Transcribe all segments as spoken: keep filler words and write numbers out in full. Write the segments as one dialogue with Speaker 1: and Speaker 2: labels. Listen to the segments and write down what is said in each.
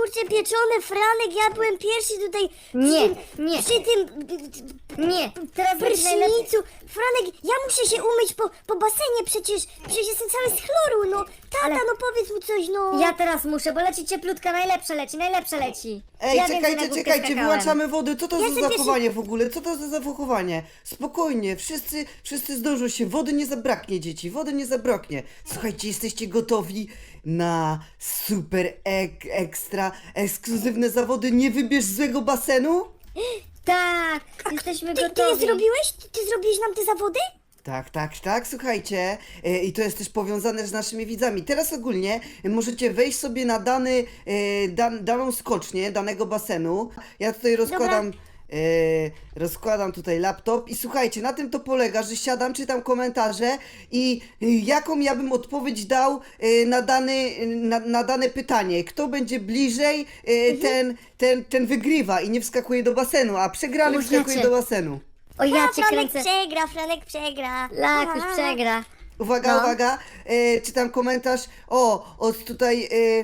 Speaker 1: kurczę pieczone, Franek, ja byłem pierwszy tutaj
Speaker 2: Nie,
Speaker 1: przy tym,
Speaker 2: nie.
Speaker 1: przy tym
Speaker 2: Nie, teraz będzie najlepiej.
Speaker 1: prysznicu. Franek, ja muszę się umyć po, po basenie, przecież, przecież jestem cały z chloru, no. Tata,
Speaker 2: Ale-
Speaker 1: no powiedz mu coś, no.
Speaker 2: Ja teraz muszę, bo leci cieplutka, najlepsze leci, najlepsze leci.
Speaker 3: Ej,
Speaker 2: ja więcej na
Speaker 3: czekajcie,
Speaker 2: głupie
Speaker 3: czekajcie,
Speaker 2: skakałem.
Speaker 3: wyłączamy wodę. Co to
Speaker 1: Ja
Speaker 3: za
Speaker 1: sobie pierwszy-
Speaker 3: zachowanie w ogóle? Co to za zachowanie? Spokojnie, wszyscy, wszyscy zdążą się. Wody nie zabraknie, dzieci, wody nie zabraknie. Słuchajcie, jesteście gotowi na super ek, ekstra, ekskluzywne zawody Nie wybierz złego basenu?
Speaker 2: Tak, jesteśmy
Speaker 1: Ty, ty
Speaker 2: gotowi.
Speaker 1: je zrobiłeś? Ty, ty zrobiłeś nam te zawody?
Speaker 3: Tak, tak, tak, słuchajcie. E, I to jest też powiązane z naszymi widzami. Teraz ogólnie możecie wejść sobie na dany, e, dan, daną skocznię, danego basenu. Ja tutaj rozkładam. E, rozkładam tutaj laptop i słuchajcie, na tym to polega, że siadam, czytam komentarze i e, jaką ja bym odpowiedź dał e, na, dany, na, na dane pytanie. Kto będzie bliżej, e, ten, ten, ten wygrywa i nie wskakuje do basenu, a przegrany
Speaker 2: O,
Speaker 3: wskakuje
Speaker 2: jacie.
Speaker 3: do basenu.
Speaker 2: O, ja
Speaker 1: A,
Speaker 2: cię
Speaker 1: Franek
Speaker 2: kręcę.
Speaker 1: przegra, Franek przegra.
Speaker 2: Lakuś
Speaker 1: A.
Speaker 2: przegra.
Speaker 3: Uwaga,
Speaker 2: No.
Speaker 3: uwaga, e, czytam komentarz. O, od tutaj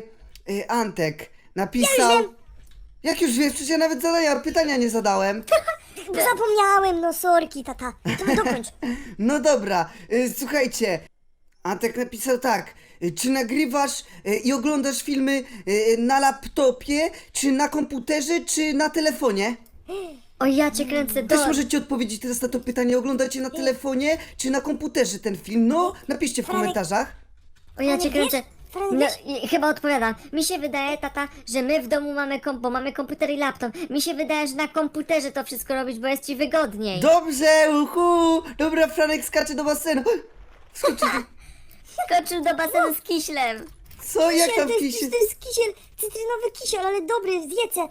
Speaker 3: e, e, Antek napisał. Jak już wiesz, przecież ja nawet zadania, pytania nie zadałem.
Speaker 1: Bo zapomniałem, no sorki, tata. To dokończ.
Speaker 3: No dobra, e, słuchajcie. Antek napisał tak. e, Czy nagrywasz e, i oglądasz filmy e, na laptopie, czy na komputerze, czy na telefonie?
Speaker 2: O, ja cię kręcę.
Speaker 3: Też
Speaker 2: Do...
Speaker 3: możecie odpowiedzieć teraz na to pytanie. Oglądacie na telefonie, czy na komputerze ten film? No, napiszcie w
Speaker 1: Franek.
Speaker 3: komentarzach.
Speaker 2: O, ja cię
Speaker 1: Franek,
Speaker 2: kręcę.
Speaker 1: wiesz? Franek,
Speaker 2: No,
Speaker 1: wiesz?
Speaker 2: i chyba odpowiadam. Mi się wydaje, tata, że my w domu mamy komp, bo mamy komputer i laptop. Mi się wydaje, że na komputerze to wszystko robić, bo jest ci wygodniej.
Speaker 3: Dobrze, uhu! Dobra, Franek skacze do basenu. Skoczy do...
Speaker 2: Skoczył do basenu z kiślem.
Speaker 3: Co? Jak
Speaker 1: Kisiel,
Speaker 3: tam
Speaker 1: to jest,
Speaker 3: kisiel?
Speaker 1: to jest kisiel, cytrynowy kisiel, ale dobry, zjedzę.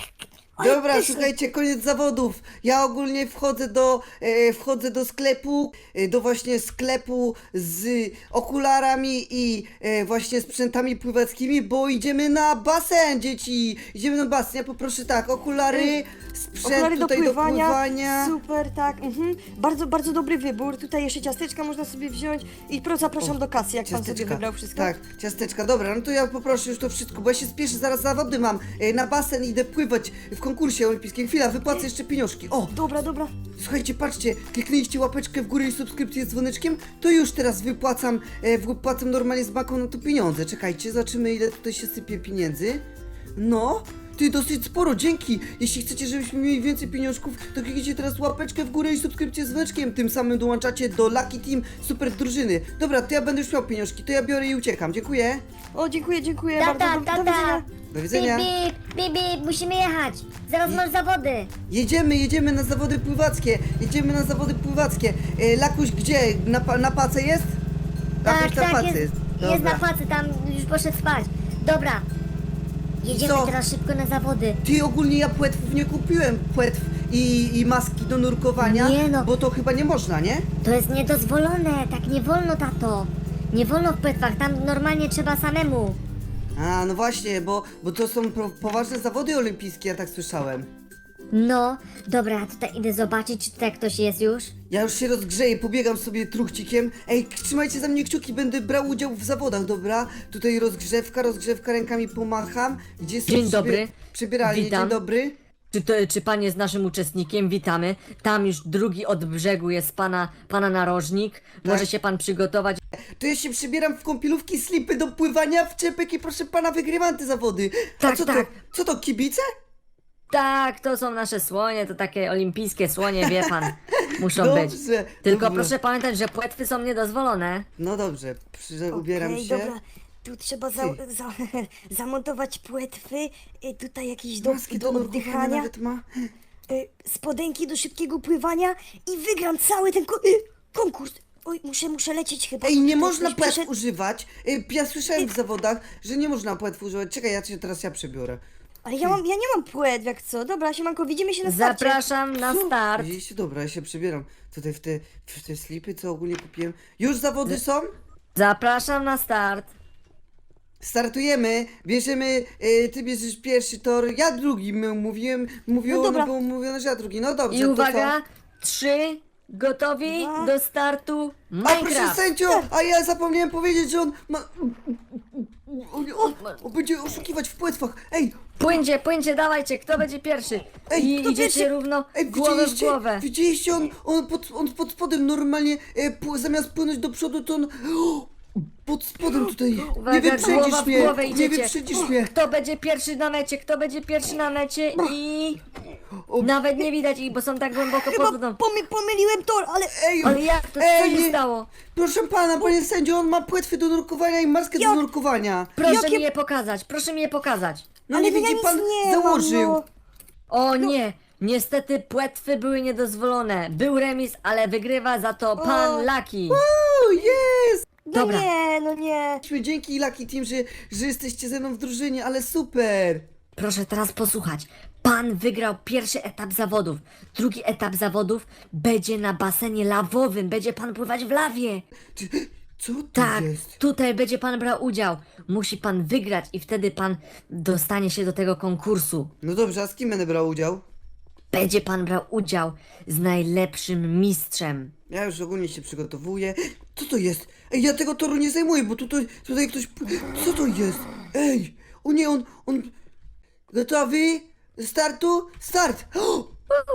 Speaker 1: Oj,
Speaker 3: Dobra,
Speaker 1: pyszny.
Speaker 3: słuchajcie, koniec zawodów. Ja ogólnie wchodzę do, e, wchodzę do sklepu, e, do właśnie sklepu z okularami i e, właśnie sprzętami pływackimi, bo idziemy na basen, dzieci. Idziemy na basen. Ja poproszę tak, okulary, sprzęt
Speaker 4: Okulary do
Speaker 3: tutaj
Speaker 4: pływania,
Speaker 3: do pływania.
Speaker 4: super, tak, mhm. Bardzo, bardzo dobry wybór. Tutaj jeszcze ciasteczka można sobie wziąć i pro zapraszam do kasy, jak pan sobie wybrał wszystko.
Speaker 3: Tak, ciasteczka, dobra, no to ja poproszę już to wszystko, bo ja się spieszę, zaraz zawody mam. E, na basen idę pływać w konkursie olimpijskim. Chwila, wypłacę jeszcze pieniążki. O,
Speaker 4: Dobra, dobra.
Speaker 3: słuchajcie, patrzcie, kliknęliście łapeczkę w górę i subskrypcję z dzwoneczkiem, to już teraz wypłacam, e, wypłacam normalnie z banką na to pieniądze. Czekajcie, zobaczymy ile tutaj się sypie pieniędzy. No, ty dosyć sporo, dzięki. Jeśli chcecie, żebyśmy mieli więcej pieniążków, to kliknijcie teraz łapeczkę w górę i subskrypcję z dzwoneczkiem. Tym samym dołączacie do Lucky Team super drużyny. Dobra, to ja będę już miał pieniążki, to ja biorę i uciekam. Dziękuję.
Speaker 4: O, dziękuję, dziękuję
Speaker 2: Tata,
Speaker 4: bardzo. Do, do
Speaker 2: tata.
Speaker 4: widzenia.
Speaker 3: Do widzenia.
Speaker 2: Bip, bip, bip, bip, musimy jechać. Zaraz masz zawody.
Speaker 3: Jedziemy, jedziemy na zawody pływackie. Jedziemy na zawody pływackie. E, Lakuś, gdzie? Na, pa- na pace jest?
Speaker 2: Tak,
Speaker 3: Lakuś na
Speaker 2: tak,
Speaker 3: pace
Speaker 2: jest, jest
Speaker 3: Dobra.
Speaker 2: na pacy, tam już poszedł spać. Dobra. Jedziemy
Speaker 3: Co?
Speaker 2: teraz szybko na zawody.
Speaker 3: Ty, ogólnie ja płetwów nie kupiłem, płetw i, i maski do nurkowania,
Speaker 2: Nie no.
Speaker 3: bo to chyba nie można, nie?
Speaker 2: To jest niedozwolone, tak nie wolno, tato. Nie wolno w płetwach, tam normalnie trzeba samemu.
Speaker 3: A, no właśnie, bo, bo to są pro, poważne zawody olimpijskie, ja tak słyszałem.
Speaker 2: No, dobra, ja tutaj idę zobaczyć, czy tutaj ktoś jest już.
Speaker 3: Ja już się rozgrzeję, pobiegam sobie truchcikiem. Ej, trzymajcie za mnie kciuki, będę brał udział w zawodach, dobra? Tutaj rozgrzewka, rozgrzewka, rękami pomacham. Gdzie są
Speaker 5: Dzień
Speaker 3: przybie-
Speaker 5: dobry.
Speaker 3: Przybieralnie,
Speaker 5: Witam.
Speaker 3: dzień dobry.
Speaker 5: Czy, to, czy pan jest naszym uczestnikiem? Witamy. Tam już drugi od brzegu jest pana, pana narożnik. Może się pan przygotować.
Speaker 3: To ja się przybieram w kąpielówki, slipy do pływania, w czepek i proszę pana, wygrywam te zawody. A
Speaker 5: Tak,
Speaker 3: co
Speaker 5: tak.
Speaker 3: to? Co to, kibice?
Speaker 5: Tak, to są nasze słonie, to takie olimpijskie słonie, wie pan. Muszą być.
Speaker 3: Dobrze,
Speaker 5: Tylko
Speaker 3: dobrze.
Speaker 5: proszę pamiętać, że płetwy są niedozwolone.
Speaker 3: No dobrze, przy, ubieram
Speaker 4: Okej,
Speaker 3: się.
Speaker 4: dobra. Tu trzeba za, za, zamontować płetwy, y, tutaj jakieś do,
Speaker 3: Maski
Speaker 4: do
Speaker 3: do nurkowania
Speaker 4: oddychania,
Speaker 3: nawet ma.
Speaker 4: y, spodenki do szybkiego pływania i wygram cały ten ko y, konkurs. Oj, muszę, muszę lecieć chyba.
Speaker 3: Ej, nie
Speaker 4: Tutaj
Speaker 3: można
Speaker 4: ktoś
Speaker 3: płetw
Speaker 4: przyszedł.
Speaker 3: używać. Ej, ja słyszałem w zawodach, że nie można płetw używać. Czekaj, ja cię teraz ja przebiorę.
Speaker 4: Ale ja, mam, ja nie mam płetw, jak co? Dobra, siemanko, widzimy się na starcie.
Speaker 5: Zapraszam na start.
Speaker 3: Widzieliście? Dobra, ja się przebieram. Tutaj w te, w te slipy, co ogólnie kupiłem. Już zawody są?
Speaker 5: Zapraszam na start.
Speaker 3: Startujemy, bierzemy, y, ty bierzesz pierwszy tor, ja drugi, m- mówiłem, mówiło,
Speaker 4: No
Speaker 3: no
Speaker 4: dobra.
Speaker 3: było mówione, że ja drugi, no dobrze,
Speaker 5: I
Speaker 3: to
Speaker 5: uwaga,
Speaker 3: co?
Speaker 5: trzy, gotowi
Speaker 4: Dwa.
Speaker 5: do startu.
Speaker 3: A proszę
Speaker 5: Minecraft.
Speaker 3: sędzio, a ja zapomniałem powiedzieć, że on ma... On, on, on będzie oszukiwać w płetwach. Ej,
Speaker 5: Płyńcie, płyńcie, dawajcie, kto będzie pierwszy?
Speaker 3: Ej,
Speaker 5: I
Speaker 3: kto
Speaker 5: idziecie
Speaker 3: pierwszy?
Speaker 5: równo
Speaker 3: ej,
Speaker 5: głowę w
Speaker 3: widzieliście?
Speaker 5: głowę.
Speaker 3: Widzieliście? On, on, pod, on pod spodem normalnie, e, pł- zamiast płynąć do przodu, to on... O, pod spodem tutaj.
Speaker 5: Uwaga,
Speaker 3: Nie
Speaker 5: głowa
Speaker 3: wyprzedzisz
Speaker 5: w
Speaker 3: mnie.
Speaker 5: głowę
Speaker 3: Nie
Speaker 5: idziecie.
Speaker 3: wyprzedzisz mnie.
Speaker 5: Kto będzie pierwszy na mecie? Kto będzie pierwszy na mecie? I...
Speaker 3: O,
Speaker 5: Nawet nie widać ich, bo są tak głęboko pod
Speaker 4: Chyba
Speaker 5: wodą.
Speaker 4: pomy, pomyliłem tor, ale...
Speaker 3: Ej,
Speaker 5: Ale jak to? Co
Speaker 3: ej,
Speaker 5: się
Speaker 3: nie-
Speaker 5: stało?
Speaker 3: Proszę pana, panie sędzio, on ma płetwy do nurkowania i maskę do
Speaker 4: Jak?
Speaker 3: nurkowania.
Speaker 5: Proszę
Speaker 4: Jakie-
Speaker 5: mi je pokazać, proszę mi je pokazać.
Speaker 3: No
Speaker 4: ale
Speaker 3: nie
Speaker 4: no ja
Speaker 3: widzi
Speaker 4: nic
Speaker 3: pan,
Speaker 4: nie
Speaker 3: założył.
Speaker 4: Mam, no.
Speaker 5: O nie, niestety płetwy były niedozwolone. Był remis, ale wygrywa za to pan Lucky.
Speaker 3: O, jest!
Speaker 4: No
Speaker 5: Dobra.
Speaker 4: nie, no nie.
Speaker 3: Dzięki Lucky Team, że, że jesteście ze mną w drużynie, ale super.
Speaker 5: Proszę teraz posłuchać. Pan wygrał pierwszy etap zawodów. Drugi etap zawodów będzie na basenie lawowym. Będzie pan pływać w lawie.
Speaker 3: Czy, co to
Speaker 5: Tak,
Speaker 3: jest?
Speaker 5: tutaj będzie pan brał udział. Musi pan wygrać i wtedy pan dostanie się do tego konkursu.
Speaker 3: No dobrze, a z kim będę brał udział?
Speaker 5: Będzie pan brał udział z najlepszym mistrzem.
Speaker 3: Ja już ogólnie się przygotowuję. Co to jest? Ej, ja tego toru nie zajmuję, bo tutaj, tutaj ktoś... Co to jest? Ej, o nie, on, on... Gotowi? Startu? Start! O,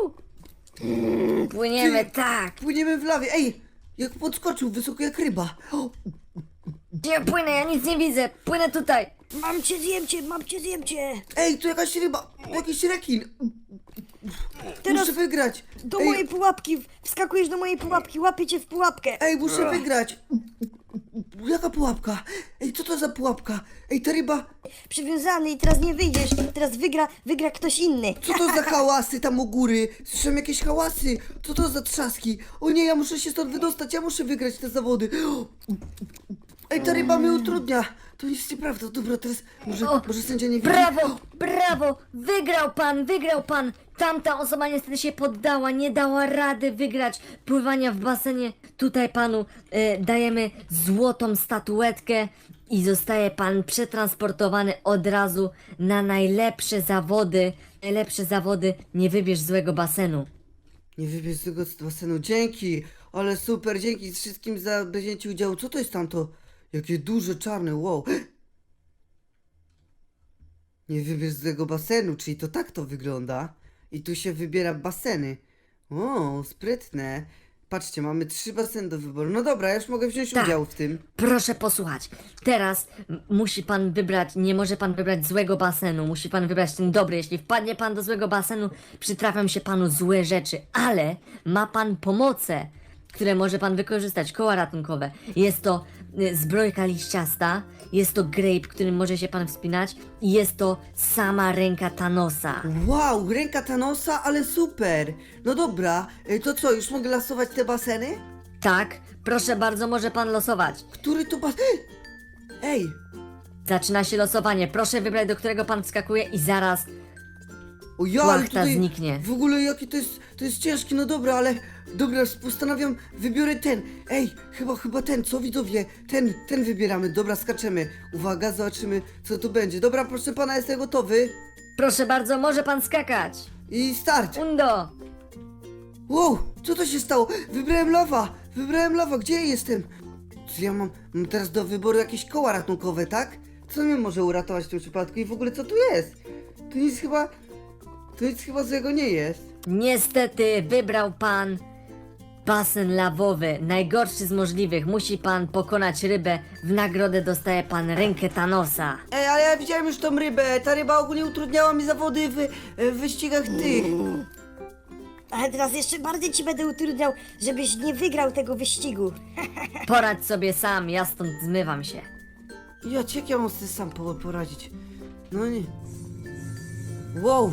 Speaker 5: Płyniemy,
Speaker 3: Ty-
Speaker 5: tak.
Speaker 3: płyniemy w lawie. Ej, jak podskoczył, wysoko jak ryba. O,
Speaker 5: Gdzie płynę? Ja nic nie widzę. Płynę tutaj.
Speaker 4: Mam cię, zjem cię, mam cię, zjem cię.
Speaker 3: ej, tu jakaś ryba, jakiś rekin.
Speaker 4: Teraz
Speaker 3: Muszę wygrać.
Speaker 4: do
Speaker 3: Ej,
Speaker 4: mojej pułapki, wskakujesz do mojej pułapki, łapię cię w pułapkę.
Speaker 3: Ej, muszę wygrać. Jaka pułapka? Ej, co to za pułapka? Ej, ta ryba...
Speaker 4: Przywiązany i teraz nie wyjdziesz, teraz wygra, wygra ktoś inny.
Speaker 3: Co to za hałasy tam u góry? Słyszałem jakieś hałasy. Co to za trzaski? O nie, ja muszę się stąd wydostać, ja muszę wygrać te zawody. Ej, ta ryba mnie utrudnia. To nic nieprawda. Dobra, teraz może,
Speaker 5: O,
Speaker 3: może sędzia nie widzi.
Speaker 5: Brawo, brawo! Wygrał pan, wygrał pan! Tamta osoba niestety się poddała, nie dała rady wygrać pływania w basenie. Tutaj panu e, dajemy złotą statuetkę i zostaje pan przetransportowany od razu na najlepsze zawody. Najlepsze zawody, nie wybierz złego basenu.
Speaker 3: Nie wybierz z tego basenu. Dzięki, ale super, dzięki wszystkim za wzięcie udziału. Co to jest tamto? Jakie duże, czarne, wow. Nie wybierz z tego basenu, czyli to tak to wygląda. I tu się wybiera baseny. O, sprytne. Patrzcie, mamy trzy baseny do wyboru. No dobra, ja już mogę wziąć
Speaker 5: Tak.
Speaker 3: udział w tym.
Speaker 5: Proszę posłuchać. Teraz m- musi pan wybrać, nie może pan wybrać złego basenu, musi pan wybrać ten dobry. Jeśli wpadnie pan do złego basenu, przytrafią się panu złe rzeczy, ale ma pan pomoce, które może pan wykorzystać, koła ratunkowe. Jest to y, zbrojka liściasta, jest to grape, którym może się pan wspinać i jest to sama ręka Thanosa.
Speaker 3: Wow, ręka Thanosa, ale super. No dobra, y, to co, już mogę lasować te baseny?
Speaker 5: Tak, proszę bardzo, może pan losować.
Speaker 3: Który to bas... Ej,
Speaker 5: Zaczyna się losowanie, proszę wybrać, do którego pan wskakuje i zaraz
Speaker 3: o ja, ale
Speaker 5: Płachta
Speaker 3: tutaj
Speaker 5: zniknie.
Speaker 3: w ogóle jaki to jest, to jest ciężki, no dobra, ale dobra, postanawiam, wybiorę ten. Ej, chyba, chyba ten, co widzowie, ten, ten wybieramy, dobra, skaczemy. Uwaga, zobaczymy, co tu będzie. Dobra, proszę pana, jestem gotowy.
Speaker 5: proszę bardzo, może pan skakać.
Speaker 3: I start.
Speaker 5: Undo!
Speaker 3: Wow, co to się stało? Wybrałem lawa, wybrałem lawa, gdzie ja jestem? Czy ja mam, mam teraz do wyboru jakieś koła ratunkowe, tak? Co mnie może uratować w tym przypadku i w ogóle co tu jest? Tu nic chyba, tu nic chyba złego nie jest.
Speaker 5: Niestety wybrał pan basen lawowy, najgorszy z możliwych. Musi pan pokonać rybę, w nagrodę dostaje pan rękę Thanosa.
Speaker 3: Ej, ale ja widziałem już tą rybę. Ta ryba ogólnie utrudniała mi zawody w, w wyścigach tych.
Speaker 4: Ale teraz jeszcze bardziej ci będę utrudniał, żebyś nie wygrał tego wyścigu.
Speaker 5: Poradź sobie sam, ja stąd zmywam się.
Speaker 3: Ja cię jak ja mam sobie sam po- poradzić. No nie. Wow.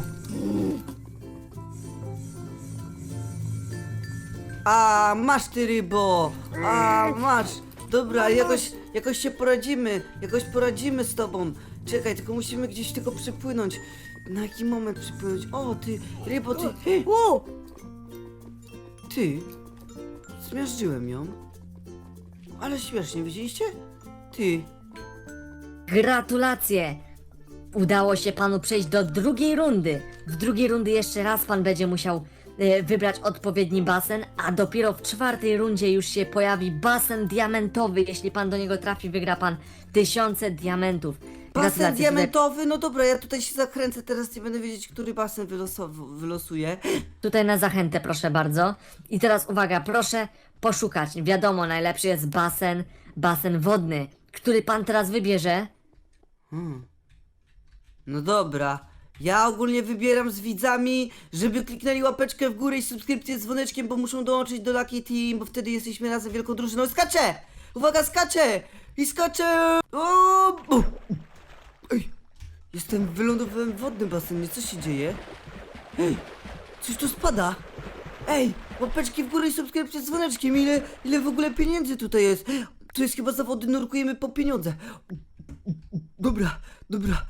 Speaker 3: A masz ty rybo. A masz. Dobra, jakoś, jakoś się poradzimy. Jakoś poradzimy z tobą. Czekaj, tylko musimy gdzieś tylko przypłynąć. Na jaki moment przypłynąć? O, ty, rybo, ty.
Speaker 4: Wow,
Speaker 3: Ty, zmiażdżyłem ją. Ale śmiesznie, widzieliście? Ty,
Speaker 5: Gratulacje! Udało się panu przejść do drugiej rundy. W drugiej rundy jeszcze raz pan będzie musiał e, wybrać odpowiedni basen, a dopiero w czwartej rundzie już się pojawi basen diamentowy. Jeśli pan do niego trafi, wygra pan tysiące diamentów.
Speaker 3: Basen
Speaker 5: Gratulacje, tutaj-
Speaker 3: diamentowy, no dobra, ja tutaj się zakręcę, teraz nie będę wiedzieć, który basen wylosow- wylosuje.
Speaker 5: Tutaj na zachętę, proszę bardzo. I teraz uwaga, proszę poszukać. Wiadomo, najlepszy jest basen, basen wodny. Który pan teraz wybierze?
Speaker 3: No dobra. Ja ogólnie wybieram z widzami, żeby kliknęli łapeczkę w górę i subskrypcję z dzwoneczkiem, bo muszą dołączyć do Lucky Team, bo wtedy jesteśmy razem wielką drużyną. Skaczę! Uwaga, skaczę! I skaczę! O! U! Ej! Jestem wylądowałem w wodnym basenie, co się dzieje? Ej! Coś tu spada! Ej! Łapeczki w górę i subskrypcję z dzwoneczkiem, ile, ile w ogóle pieniędzy tutaj jest? Tu jest chyba zawody, nurkujemy po pieniądze. Dobra, dobra.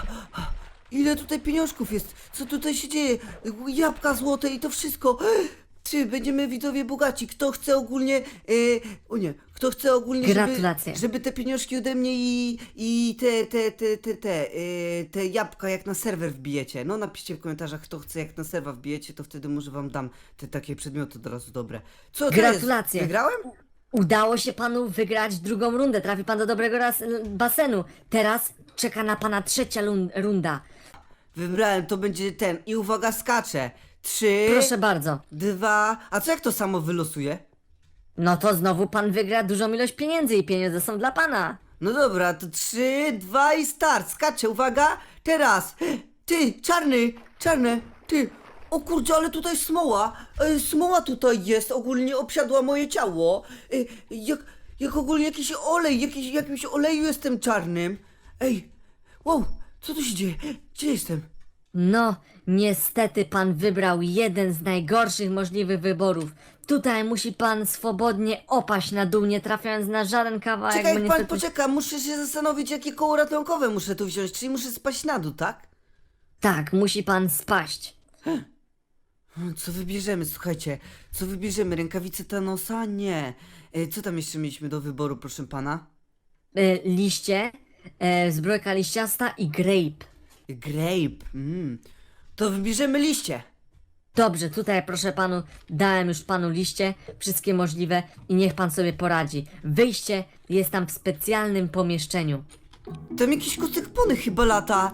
Speaker 3: Ile tutaj pieniążków jest? Co tutaj się dzieje? Jabłka złote i to wszystko. Czy będziemy widzowie bogaci? Kto chce ogólnie... Yy, o nie, kto chce ogólnie,
Speaker 5: Gratulacje.
Speaker 3: żeby, żeby te pieniążki ode mnie i, i te, te, te, te, te, yy, te jabłka jak na serwer wbijecie. No napiszcie w komentarzach, kto chce jak na serwer wbijecie, to wtedy może wam dam te takie przedmioty od razu dobre. Co to
Speaker 5: Gratulacje.
Speaker 3: jest? Wygrałem?
Speaker 5: Udało się panu wygrać drugą rundę. Trafi pan do dobrego raz, basenu. Teraz czeka na pana trzecia lun- runda.
Speaker 3: Wybrałem, to będzie ten. I uwaga, skaczę. Trzy,
Speaker 5: Proszę bardzo.
Speaker 3: dwa... A co jak to samo wylosuje?
Speaker 5: No to znowu pan wygra dużą ilość pieniędzy i pieniądze są dla pana.
Speaker 3: No dobra, to trzy, dwa i start. Skaczę, uwaga. Teraz. Ty, czarny, czarny, ty. O kurczę, ale tutaj smoła. E, smoła tutaj jest, ogólnie obsiadła moje ciało. E, jak, jak ogólnie jakiś olej, jakiś, jakimś oleju jestem czarnym. Ej, wow, co tu się dzieje? Gdzie jestem?
Speaker 5: No, niestety pan wybrał jeden z najgorszych możliwych wyborów. Tutaj musi pan swobodnie opaść na dół, nie trafiając na żaden kawałek,
Speaker 3: Czekaj,
Speaker 5: bo
Speaker 3: jak pan
Speaker 5: niestety...
Speaker 3: poczeka, muszę się zastanowić, jakie koło ratunkowe muszę tu wziąć, czyli muszę spaść na dół, tak?
Speaker 5: Tak, musi pan spaść.
Speaker 3: Hmm, Co wybierzemy, słuchajcie, co wybierzemy? Rękawice Thanosa? Nie. E, co tam jeszcze mieliśmy do wyboru, proszę pana?
Speaker 5: E, liście, e, zbrojka liściasta i grape.
Speaker 3: Grape, mm. To wybierzemy liście.
Speaker 5: Dobrze, tutaj proszę panu, dałem już panu liście, wszystkie możliwe i niech pan sobie poradzi. Wyjście jest tam w specjalnym pomieszczeniu.
Speaker 3: Tam jakiś kucyk pony chyba lata.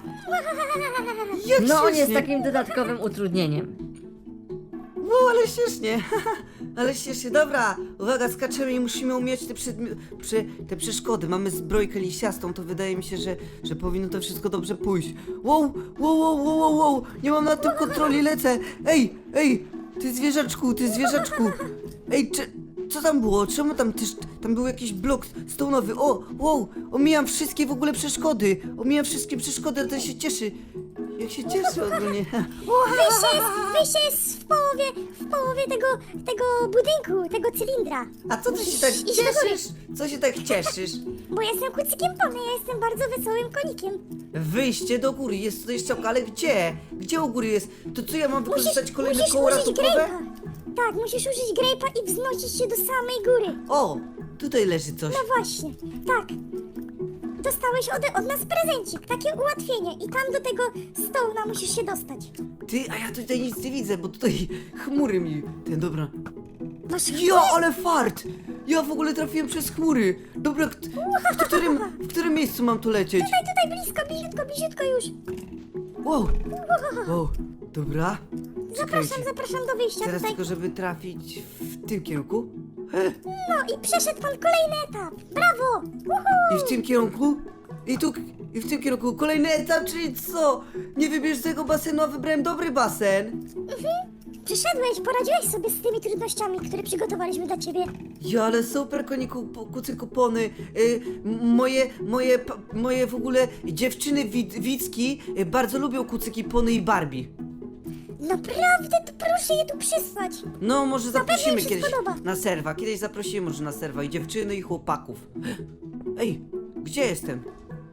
Speaker 3: Jak
Speaker 5: No on jest
Speaker 3: śmiesznie.
Speaker 5: takim dodatkowym utrudnieniem.
Speaker 3: Wow, ale śmiesznie. Ale śmiesznie. Dobra, uwaga, skaczemy i musimy umieć te, przedmi- prze- te przeszkody. Mamy zbrojkę liściastą, to wydaje mi się, że, że powinno to wszystko dobrze pójść. Wow, wow, wow, wow, wow, wow. Nie mam na tym kontroli, lecę. Ej, ej, ty zwierzaczku, ty zwierzaczku. Ej, czy, co tam było? Czemu tam też, tam był jakiś blok stołnowy? O, wow, omijam wszystkie w ogóle przeszkody. Omijam wszystkie przeszkody, a ten się cieszy. Jak się cieszy ogólnie.
Speaker 1: Wyjście jest, wyjście jest w połowie, w połowie tego, tego budynku, tego cylindra.
Speaker 3: A co ty się tak
Speaker 1: Iść do góry.
Speaker 3: cieszysz? Co się tak cieszysz?
Speaker 1: Bo ja jestem kucykiem pony, ja jestem bardzo wesołym konikiem.
Speaker 3: Wyjście do góry, jest tutaj strzałka, ale gdzie? Gdzie u góry jest? To co, ja mam wykorzystać kolejne
Speaker 1: musisz
Speaker 3: koło
Speaker 1: użyć
Speaker 3: ratunkowe?
Speaker 1: grape'a. Tak, musisz użyć grape'a i wznosić się do samej góry.
Speaker 3: O, tutaj leży coś.
Speaker 1: No właśnie, tak. Dostałeś od, od nas prezencik, takie ułatwienie i tam do tego stołna musisz się dostać.
Speaker 3: Ty, a ja tutaj nic nie widzę, bo tutaj chmury mi... Ten, dobra.
Speaker 1: Masz
Speaker 3: Ja, ale fart! Ja w ogóle trafiłem przez chmury. Dobra, kt- w którym, w którym miejscu mam tu lecieć?
Speaker 1: Tutaj, tutaj blisko, bliziutko, bliziutko już.
Speaker 3: Wow, wow, dobra.
Speaker 1: Zapraszam,
Speaker 3: Czekajcie.
Speaker 1: zapraszam do wyjścia
Speaker 3: Teraz
Speaker 1: tutaj.
Speaker 3: tylko, żeby trafić w tym kierunku.
Speaker 1: No i przeszedł pan kolejny etap. Brawo! Uhu!
Speaker 3: I w tym kierunku? I tu, i w tym kierunku. Kolejny etap, czyli co? Nie wybierz tego basenu, a wybrałem dobry basen.
Speaker 1: Przeszedłeś, poradziłeś sobie z tymi trudnościami, które przygotowaliśmy dla ciebie.
Speaker 3: Ja, ale super, koniku, po- kucyku pony. Y, m- moje, moje, pa- moje w ogóle dziewczyny wid, widzki y, bardzo lubią kucyki pony i Barbie.
Speaker 1: Naprawdę, to proszę je tu przysłać.
Speaker 3: No, może
Speaker 1: pewno
Speaker 3: zaprosimy
Speaker 1: im się
Speaker 3: kiedyś
Speaker 1: spodoba.
Speaker 3: na serwa. Kiedyś zaprosimy może na serwa i dziewczyny i chłopaków. Ej, gdzie jestem?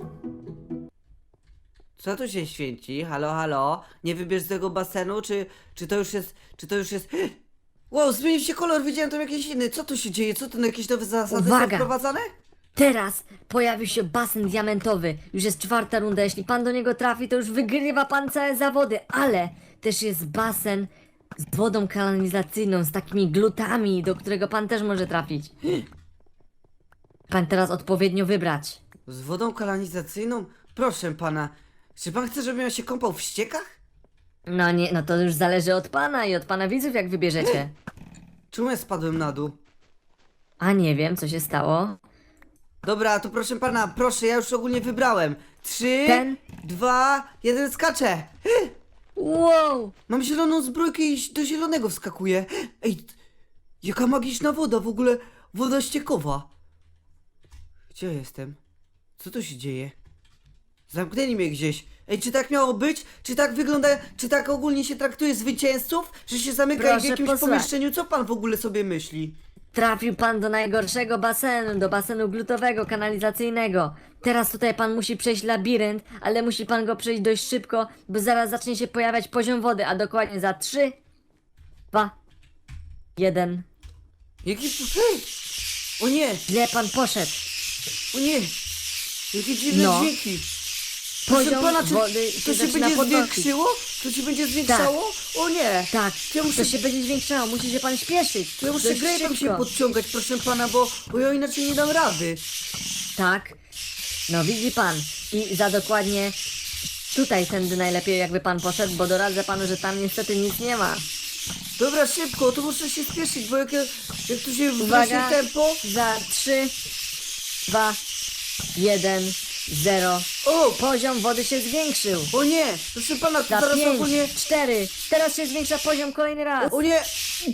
Speaker 3: Co tu się święci? Halo, halo? Nie wybierz tego basenu, czy, czy to już jest, czy to już jest... Wow, zmienił się kolor, widziałem tam jakiś inny. Co tu się dzieje? Co tu, jakieś nowe zasady są
Speaker 5: Uwaga!
Speaker 3: wprowadzane?
Speaker 5: Teraz pojawił się basen diamentowy. Już jest czwarta runda. Jeśli pan do niego trafi, to już wygrywa pan całe zawody. Ale też jest basen z wodą kanalizacyjną, z takimi glutami, do którego pan też może trafić. Pan teraz odpowiednio wybrać.
Speaker 3: Z wodą kanalizacyjną? Proszę pana, czy pan chce, żebym ja się kąpał w ściekach?
Speaker 5: No nie, no to już zależy od pana i od pana widzów, jak wybierzecie.
Speaker 3: Czemu ja spadłem na dół?
Speaker 5: A nie wiem, co się stało.
Speaker 3: Dobra, to proszę pana, proszę, ja już ogólnie wybrałem. Trzy,
Speaker 5: Ten?
Speaker 3: dwa, jeden, skaczę!
Speaker 5: Wow!
Speaker 3: Mam zieloną zbrojkę i do zielonego wskakuję. Ej, t- jaka magiczna woda, w ogóle woda ściekowa. Gdzie ja jestem? Co tu się dzieje? Zamknęli mnie gdzieś. Ej, czy tak miało być? Czy tak wygląda, czy tak ogólnie się traktuje zwycięzców? Że się zamyka ich w
Speaker 5: Proszę
Speaker 3: jakimś
Speaker 5: posłuchać.
Speaker 3: pomieszczeniu? Co pan w ogóle sobie myśli?
Speaker 5: Trafił pan do najgorszego basenu, do basenu glutowego, kanalizacyjnego. Teraz tutaj pan musi przejść labirynt, ale musi pan go przejść dość szybko, bo zaraz zacznie się pojawiać poziom wody, a dokładnie za trzy, dwa, jeden.
Speaker 3: Jaki... Ej! O nie!
Speaker 5: Źle pan poszedł.
Speaker 3: O nie! Jakie dziwne
Speaker 5: No.
Speaker 3: dźwięki! Proszę
Speaker 5: Poziom
Speaker 3: pana, czy
Speaker 5: wody
Speaker 3: to
Speaker 5: się
Speaker 3: się
Speaker 5: zaczyna
Speaker 3: będzie
Speaker 5: podnosić.
Speaker 3: zwiększyło? To się będzie zwiększało? O nie!
Speaker 5: Tak,
Speaker 3: Ja muszę,
Speaker 5: to się będzie zwiększało, musi się pan śpieszyć.
Speaker 3: ja muszę
Speaker 5: Dość
Speaker 3: grejpem się
Speaker 5: szybko.
Speaker 3: podciągać, proszę pana, bo, bo ja inaczej nie dam rady.
Speaker 5: Tak. No widzi pan. I za dokładnie tutaj tędy najlepiej jakby pan poszedł, bo doradzę panu, że tam niestety nic nie ma.
Speaker 3: Dobra, szybko, to muszę się spieszyć, bo jak, ja- jak tu się wrośnie
Speaker 5: Uwaga,
Speaker 3: tempo...
Speaker 5: za trzy, dwa, jeden, zero.
Speaker 3: O!
Speaker 5: Poziom wody się zwiększył.
Speaker 3: O nie! Proszę pana, to
Speaker 5: Za
Speaker 3: zaraz
Speaker 5: pięć,
Speaker 3: ogólnie...
Speaker 5: cztery. Teraz się zwiększa poziom kolejny raz.
Speaker 3: O nie!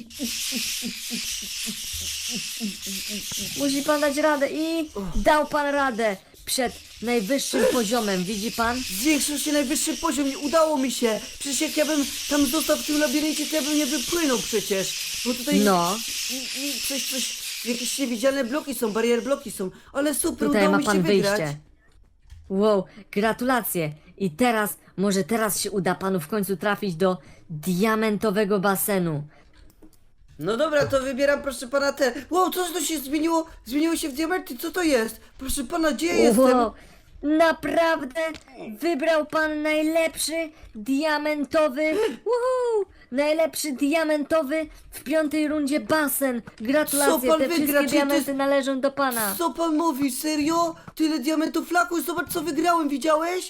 Speaker 5: Musi pan dać radę i dał pan radę przed najwyższym poziomem, widzi pan?
Speaker 3: Zwiększył się najwyższy poziom, nie udało mi się! Przecież jak ja bym tam został w tym labiryncie, to ja bym nie wypłynął przecież! Bo tutaj...
Speaker 5: No.
Speaker 3: I, i coś, coś... Jakieś niewidzialne bloki są, barier bloki są, ale super,
Speaker 5: Tutaj
Speaker 3: udało
Speaker 5: ma
Speaker 3: mi się
Speaker 5: pan
Speaker 3: wygrać.
Speaker 5: wyjście. Wow, gratulacje. I teraz, może teraz się uda panu w końcu trafić do diamentowego basenu.
Speaker 3: No dobra, to wybieram, proszę pana, te... Wow, co to się zmieniło? Zmieniło się w diamenty, co to jest? Proszę pana, gdzie ja jestem?
Speaker 5: Wow, naprawdę wybrał pan najlepszy diamentowy, uhu, najlepszy diamentowy w piątej rundzie basen. Gratulacje,
Speaker 3: Co pan
Speaker 5: te
Speaker 3: wygra?
Speaker 5: wszystkie
Speaker 3: Czy to
Speaker 5: diamenty
Speaker 3: jest-
Speaker 5: należą do pana.
Speaker 3: Co pan mówi, serio? Tyle diamentów laku, zobacz co wygrałem, widziałeś?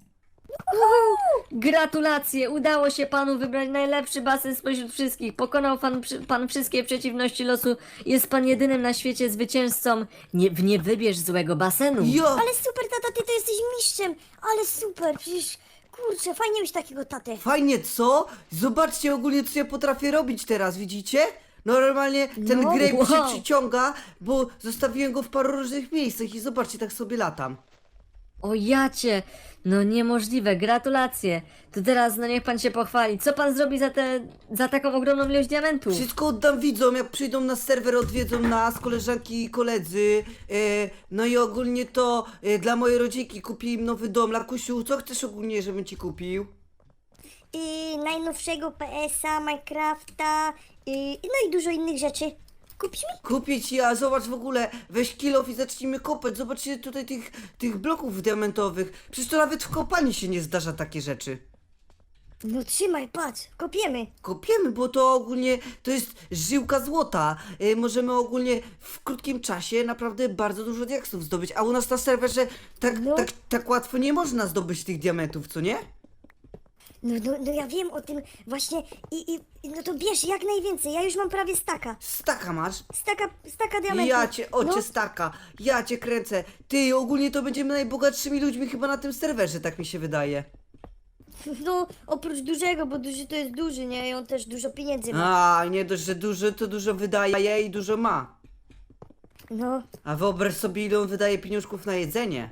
Speaker 5: Gratulacje, udało się panu wybrać najlepszy basen spośród wszystkich. Pokonał pan, przy- pan wszystkie przeciwności losu. Jest pan jedynym na świecie zwycięzcą. Nie, nie wybierz złego basenu.
Speaker 3: Ja!
Speaker 1: Ale super, tata, ty to jesteś mistrzem. Ale super, przecież, kurczę, fajnie mieć takiego tatę.
Speaker 3: Fajnie, co? Zobaczcie ogólnie, co ja potrafię robić teraz, widzicie? Normalnie ten
Speaker 5: No,
Speaker 3: grape się
Speaker 5: wow.
Speaker 3: przyciąga, bo zostawiłem go w paru różnych miejscach i zobaczcie, tak sobie latam.
Speaker 5: O jacie, no niemożliwe, gratulacje. To teraz, no niech pan się pochwali. Co pan zrobi za, te, za taką ogromną ilość diamentów?
Speaker 3: Wszystko oddam widzom, jak przyjdą na serwer, odwiedzą nas, koleżanki i koledzy. E, no i ogólnie to e, dla mojej rodzinki kupi im nowy dom. Lakusiu, co chcesz ogólnie, żebym ci kupił?
Speaker 1: I najnowszego P S a, Minecrafta, i, no i dużo innych rzeczy. Kupisz mi?
Speaker 3: Kupię ci, a zobacz w ogóle, weź kilof i zacznijmy kopać. Zobaczcie tutaj tych, tych bloków diamentowych. Przecież to nawet w kopalni się nie zdarza takie rzeczy.
Speaker 1: No trzymaj, patrz, kopiemy.
Speaker 3: Kopiemy, bo to ogólnie to jest żyłka złota. E, możemy ogólnie w krótkim czasie naprawdę bardzo dużo diaksów zdobyć. A u nas na serwerze tak,
Speaker 1: No.
Speaker 3: tak, tak łatwo nie można zdobyć tych diamentów, co nie?
Speaker 1: No, no, no ja wiem o tym właśnie i, i i no to bierz jak najwięcej, ja już mam prawie staka.
Speaker 3: Staka masz?
Speaker 1: Staka, staka diamentów.
Speaker 3: Ja cię, ocie
Speaker 1: No.
Speaker 3: staka, ja cię kręcę. Ty, ogólnie to będziemy najbogatszymi ludźmi chyba na tym serwerze, tak mi się wydaje.
Speaker 1: No, oprócz dużego, bo duży to jest duży, nie? I on też dużo pieniędzy ma.
Speaker 3: A, nie dość, że dużo, to dużo wydaje i dużo ma.
Speaker 1: No,
Speaker 3: A wyobraź sobie, ile on wydaje pieniążków na jedzenie.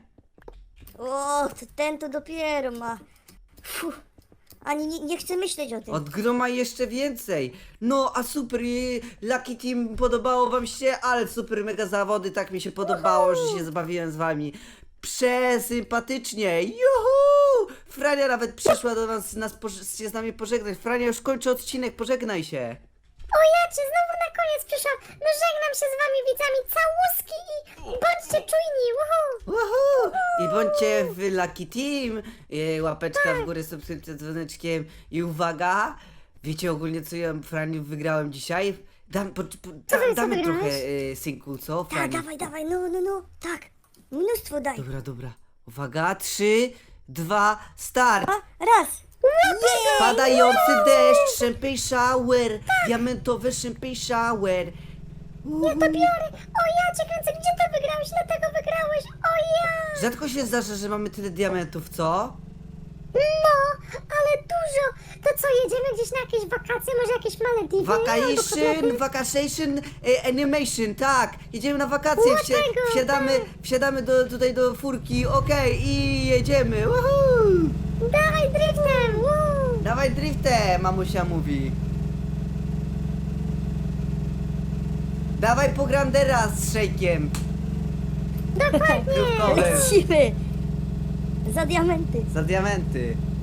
Speaker 1: o, to ten to dopiero ma. Fuh. Ani nie, nie chcę myśleć o tym.
Speaker 3: Od groma jeszcze więcej. No, a super, i Lucky Team, podobało wam się? Ale super, mega zawody, tak mi się podobało, że się zabawiłem z wami. Przesympatycznie, juhu! Frania nawet przyszła do nas, nas poż- się z nami pożegnać. Frania, już kończy odcinek, pożegnaj się.
Speaker 1: O ja cię znowu na koniec przyszłam. No żegnam się z wami widzami, całuski i bądźcie czujni. Uhu.
Speaker 3: Uhu! I bądźcie w Lucky Team. I łapeczka w górę, subskrypcja z dzwoneczkiem. I uwaga, Wiecie ogólnie, co ja, Franiu, wygrałem dzisiaj? Dam, po, po, da,
Speaker 2: co
Speaker 3: damy
Speaker 2: wygrałeś?
Speaker 3: trochę, y, synku, co,
Speaker 4: Tak,
Speaker 3: Franiu?
Speaker 4: dawaj, dawaj, no, no, no, tak. Mnóstwo daj.
Speaker 3: Dobra, dobra. Uwaga, trzy, dwa, start!
Speaker 4: A, raz.
Speaker 3: Padający deszcz, champagne shower, diamentowy champagne shower.
Speaker 2: Ja to biorę. O ja cię kręcę, gdzie to wygrałeś? Dlatego wygrałeś. O ja.
Speaker 3: Rzadko się zdarza, że mamy tyle diamentów, co?
Speaker 2: No, ale dużo. To co, jedziemy gdzieś na jakieś wakacje, może jakieś Malediwy? albo
Speaker 3: Vacation,
Speaker 2: kotlety?
Speaker 3: vacation, e, animation, tak. Jedziemy na wakacje, wsi
Speaker 2: Dlatego,
Speaker 3: wsiadamy,
Speaker 2: tak.
Speaker 3: wsiadamy do, tutaj do furki, okej, i jedziemy. Woohoo!
Speaker 2: Dawaj driftem. Woo.
Speaker 3: Dawaj driftem, mamusia mówi. Dawaj po Grandera z szejkiem.
Speaker 2: Dokładnie.
Speaker 3: Krówkowym.
Speaker 4: Lecimy. Za diamenty.
Speaker 3: Za diamenty.